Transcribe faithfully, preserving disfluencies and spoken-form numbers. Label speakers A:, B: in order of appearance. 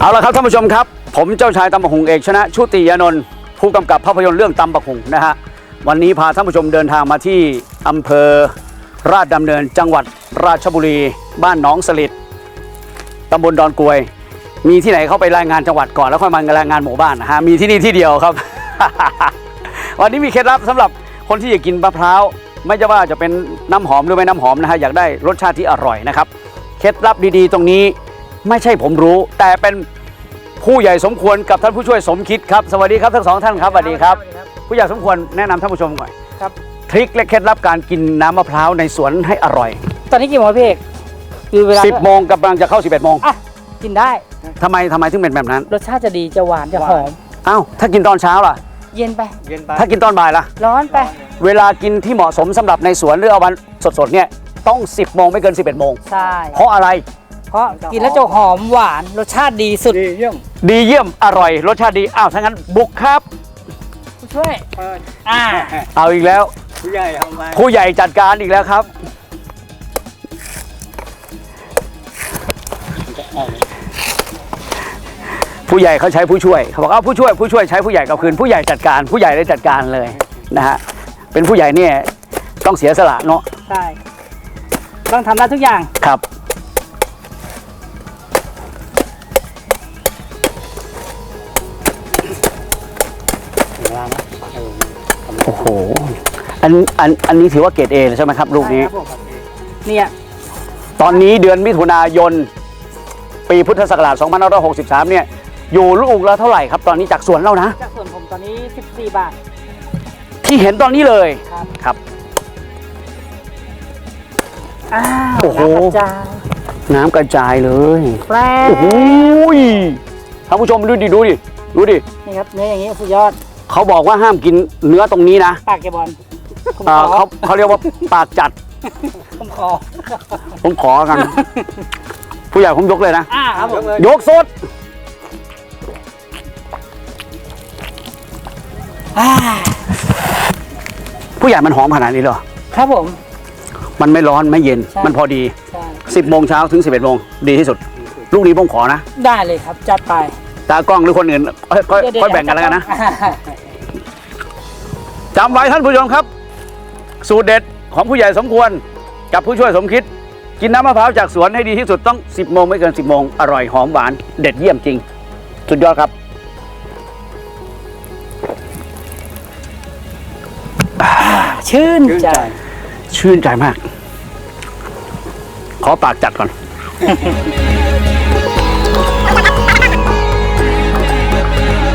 A: เอาละครับท่านผู้ชมครับผมเจ้าชายตำบักหุ่งเอกชนะชุติยานนท์ผู้กำกับภาพยนตร์เรื่องตำบักหุ่งนะฮะวันนี้พาท่านผู้ชมเดินทางมาที่อำเภอราชดำเนินจังหวัดราชบุรีบ้านหนองสลิดตำบลดอนกรวยมีที่ไหนเข้าไปรายงานจังหวัดก่อนแล้วค่อยมารายงานหมู่บ้านนะฮะมีที่นี่ที่เดียวครับ วันนี้มีเคล็ดลับสำหรับคนที่อยากกินมะพร้าวไม่ว่าจะเป็นน้ำหอมหรือไม่น้ำหอมนะฮะอยากได้รสชาติที่อร่อยนะครับเคล็ดลับดีๆตรงนี้ไม่ใช่ผมรู้แต่เป็นผู้ใหญ่สมควรกับท่านผู้ช่วยสมคิดครับสวัสดีครับทั้งสองท่านครับสวัสดีครับผู้ใหญ่สมควรแนะนำท่านผู้ชมหน่อยครับทริคและเคล็ดลับการกินน้ำมะพร้าวในสวนให้อร่อย
B: ตอนนี้กี่โมงพี่เอกคือเวลา
A: สิบโมงกำลังจะเข้าสิบเอ็ดโมง
B: อ่ะกินได้
A: ทำไมทำไมถึงเป็นแบบนั้น
B: รสชาติจะดีจะหวานจะหอม
A: อ้าวถ้ากินตอนเช้าล่ะ
B: เย็นไป
A: เย็นไปถ้ากินตอนบ่ายล่ะ
B: ร้อนไป
A: เวลากินที่เหมาะสมสำหรับในสวนหรือเอาวันสดๆเนี่ยต้องสิบโมงไม่เกินสิบเอ็ดโมง
B: ใช่
A: เพราะอะไร
B: เพราะกินแล้วจะหอมหวานรสชาติดีสุด
A: ดีเยี่ยมดีเยี่ยมอร่อยรสชาติดีอ้าวถ้างั้นบุกครับ
B: ผู้ช่วยอ่า
A: เอาอีกแล้วผู้ใหญ่ทำไมผู้ใหญ่จัดการอีกแล้วครับผู้ใหญ่เขาใช้ผู้ช่วยเขาบอกเอาผู้ช่วยผู้ช่วยใช้ผู้ใหญ่กับคืนผู้ใหญ่จัดการผู้ใหญ่ได้จัดการเลยนะฮะเป็นผู้ใหญ่เนี่ยต้องเสียสละเนาะ
B: ใช่ต้องทำได้ทุกอย่าง
A: ครับโอ้โหอันอันอันนี้ถือว่าเกรดเอใช่ไหมครับลูกนี้
B: เนี่ย
A: ตอนนี้เดือนมิถุนายนปีพุทธศักราชสองพันห้าร้อยหกสิบสามเนี่ยอยู่ลูกละเท่าไหร่ครับตอนนี้จากสวนเรานะ
B: จากสวนผมตอนนี้สิบสี่บาท
A: ที่เห็นตอนนี้เลย
B: ครับ
A: ครับ
B: อ้าว
A: โอ้โหน้ำกระจายเลย
B: แปล
A: โอ้โหท่านผู้ชมดูดิดูดิดูดิ
B: นี่ครับเนื้ออย่างนี้สุดยอด
A: เขาบอกว่าห้ามกินเนื้อตรงนี้นะ
B: ปากแกบอล
A: เขาเขาเรียกว่าปากจัด
B: ผมขอ
A: ผมขอกันผู้ใหญ่ผมยกเลยนะยกสดผู้ใหญ่มันหอมขนาดนี้เหรอ
B: ครับผม
A: มันไม่ร้อนไม่เย็นมันพอดีสิบโมงเช้าถึงสิบเอ็ดโมงดีที่สุดลูกนี้ผมขอนะ
B: ได้เลยครับจัดไป
A: ตากล้องหรือคนอื่นค่อยค่อยแบ่งกันแล้วกันนะจำไว้ท่านผู้ชมครับสูตรเด็ดของผู้ใหญ่สมควรกับผู้ช่วยสมคิดกินน้ำมะพร้าวจากสวนให้ดีที่สุดต้องสิบโมงไม่เกินสิบโมงอร่อยหอมหวานเด็ดเยี่ยมจริงสุดยอดครับ
B: ชื่นใจ
A: ชื่นใจมากขอปากจัดก่อน